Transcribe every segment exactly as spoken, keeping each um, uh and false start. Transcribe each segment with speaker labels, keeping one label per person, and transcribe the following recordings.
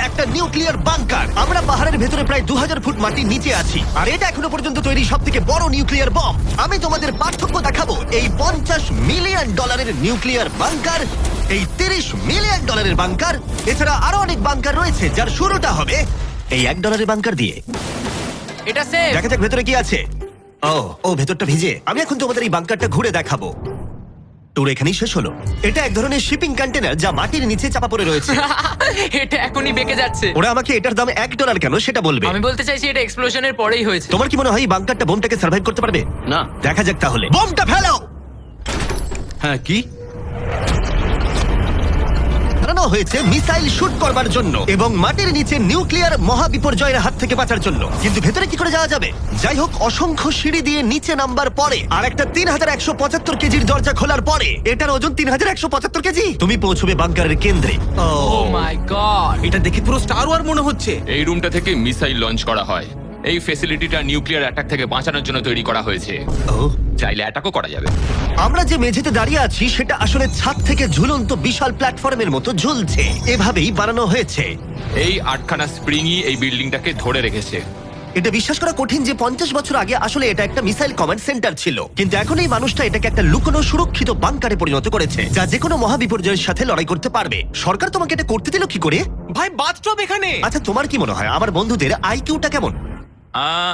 Speaker 1: একটা nuclear bunker. আমরা পাহাড়ের ভেতরে প্রায় দু হাজার ফুট মাটির নিচে আছি, আর এটা এখনো পর্যন্ত তৈরি সব থেকে বড় নিউক্লিয়ার বম। আমি তোমাদের পার্থক্য দেখাবো এই পঞ্চাশ মিলিয়ন ডলারের নিউক্লিয়ার বাংকার, এই তিরিশ মিলিয়ন ডলারের বাংকার, এছাড়া আরো অনেক বাংকার রয়েছে যার শুরুটা হবে এই এক ডলারের বাংকার দিয়ে।
Speaker 2: এটা সেফ।
Speaker 1: দেখা যাক ভেতরে কি আছে। ও ও ভেতরটা ভিজে। আমি এখন তোমাদের এই বাংকারটা ঘুরে দেখাবো। ট্যুর এখানেই শেষ হলো। এটা এক ধরনের শিপিং কন্টেনার যা মাটির নিচে চাপা পড়ে রয়েছে।
Speaker 2: এটা এখনই বেঁকে যাচ্ছে।
Speaker 1: ওরা আমাকে এটার দাম এক ডলার কেন সেটা বলবে।
Speaker 2: আমি বলতে চাইছি এটা এক্সপ্লোশনের পরেই হয়েছে।
Speaker 1: তোমার কি মনে হয় এই বাংকারটা বোমটাকে সার্ভাইভ করতে পারবে?
Speaker 3: না।
Speaker 1: দেখা যাক তাহলে। বোমটা ফেলো।
Speaker 3: হ্যাঁ কি?
Speaker 1: বানানো হয়েছে মিসাইল শুট করবার জন্য এবং মাটির নিচে নিউক্লিয়ার মহাবিপর্যয়ের হাত থেকে বাঁচার জন্য। কিন্তু ভেতরে কি করে যাওয়া যাবে? যাই হোক, অসংখ্য সিঁড়ি দিয়ে নিচে নামবার পরে আর একটা তিন হাজার একশো পঁচাত্তর কেজির দরজা খোলার পরে, এটার ওজন তিন হাজার একশো পঁচাত্তর কেজি, তুমি পৌঁছবে বাংকারের কেন্দ্রে। Oh
Speaker 2: oh my God.
Speaker 3: এটা দেখে পুরো স্টার ওয়ার মনে হচ্ছে।
Speaker 4: এই রুমটা থেকে মিসাইল লঞ্চ করা হয়। এই ফ্যাসিলিটিটা নিউক্লিয়ার অ্যাটাক থেকে বাঁচানোর জন্য তৈরি করা হয়েছে।
Speaker 1: ও
Speaker 4: চাইলে অ্যাটাকও করা যাবে।
Speaker 1: আমরা যে মেঝেতে দাঁড়িয়ে আছি সেটা আসলে ছাদ থেকে ঝুলন্ত বিশাল প্ল্যাটফর্মের মতো ঝুলছে। এভাবেই বানানো হয়েছে।
Speaker 4: এই আটখানা স্প্রিংই এই বিল্ডিংটাকে ধরে রেখেছে।
Speaker 1: এটা বিশ্বাস করা কঠিন যে পঞ্চাশ বছর আগে আসলে এটা একটা মিসাইল কমান্ড সেন্টার ছিল, কিন্তু এখন এই মানুষটা এটাকে একটা লুকোনো সুরক্ষিত বাংকারে পরিণত করেছে, যা যে কোনো মহাবিপর্যয়ের সাথে লড়াই করতে পারবে। সরকার তোমাকে এটা করতে দিল কি করে?
Speaker 3: ভাই বাথটব এখানে।
Speaker 1: আচ্ছা, তোমার কি মনে হয় আমার বন্ধুদের আইকিউটা কেমন?
Speaker 4: আহ,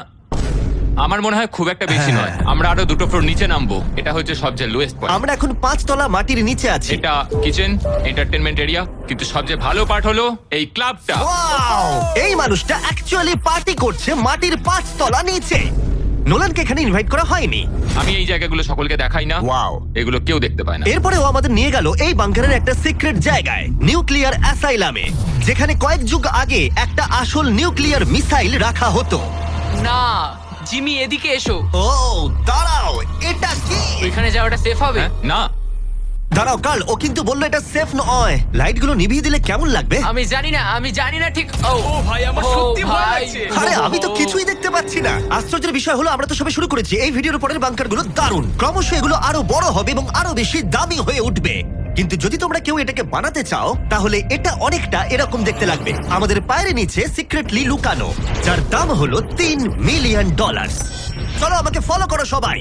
Speaker 4: আমার মনে হয় খুব একটা বেশি নয়। আমরা আরো দুটো ফ্লোর নিচে নামবো। এটা হচ্ছে সবচেয়ে লোয়েস্ট পয়েন্ট।
Speaker 1: আমরা এখন পাঁচ তলা মাটির নিচে আছি।
Speaker 4: এটা কিচেন, এন্টারটেনমেন্ট এরিয়া, কিন্তু সবচেয়ে ভালো পার্ট হলো এই ক্লাবটা।
Speaker 1: Wow! এই মানুষটা অ্যাকচুয়ালি পার্টি করছে মাটির পাঁচ তলা নিচে। নোলানকে এখানে ইনভাইট করা হয়নি।
Speaker 4: আমি এই জায়গাগুলো সকলকে দেখাই না।
Speaker 1: Wow!
Speaker 4: এগুলো কেউ দেখতে পায় না।
Speaker 1: এরপরে ও আমাদের নিয়ে গেল এই বাংকারের একটা সিক্রেট জায়গায়, নিউক্লিয়ার অ্যাসাইলামে, যেখানে কয়েক যুগ আগে একটা আসল নিউক্লিয়ার মিসাইল রাখা হতো।
Speaker 2: না, জিমি এদিকে এসো।
Speaker 1: ও দাঁড়াও, এটা কি?
Speaker 2: ওইখানে যাওয়াটা সেফ হবে?
Speaker 4: হ্যাঁ? না,
Speaker 1: দাঁড়াও কাল, ও কিন্তু বললো এটা সেফ নয়। লাইটগুলো নিভিয়ে দিলে কেমন লাগবে?
Speaker 2: আমি জানি না, আমি জানি না ঠিক। ও
Speaker 3: ও ভাই, আমার
Speaker 2: ও
Speaker 3: সত্যি ভয়
Speaker 2: ভাই।
Speaker 3: লাগছে।
Speaker 1: আরে আমি তো কিছুই দেখতে পাচ্ছি না। আশ্চর্যের বিষয় হলো আমরা তো সবে শুরু করেছি। এই ভিডিওর পরের বাংকারগুলো দারুণ। ক্রমশ এগুলো আরো বড় হবে এবং আরো বেশি দামি হয়ে উঠবে। কিন্তু যদি তোমরা কেউ এটাকে বানাতে চাও তাহলে এটা অনেকটা এরকম দেখতে লাগবে। আমাদের পায়ের নিচে সিক্রেটলি লুকানো, যার দাম হলো তিন মিলিয়ন ডলার। চলো আমাকে ফলো করো সবাই।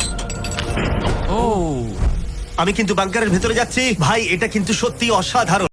Speaker 3: ও
Speaker 1: আমি কিন্তু বাংকারের ভেতরে যাচ্ছি। ভাই, এটা কিন্তু সত্যি অসাধারণ।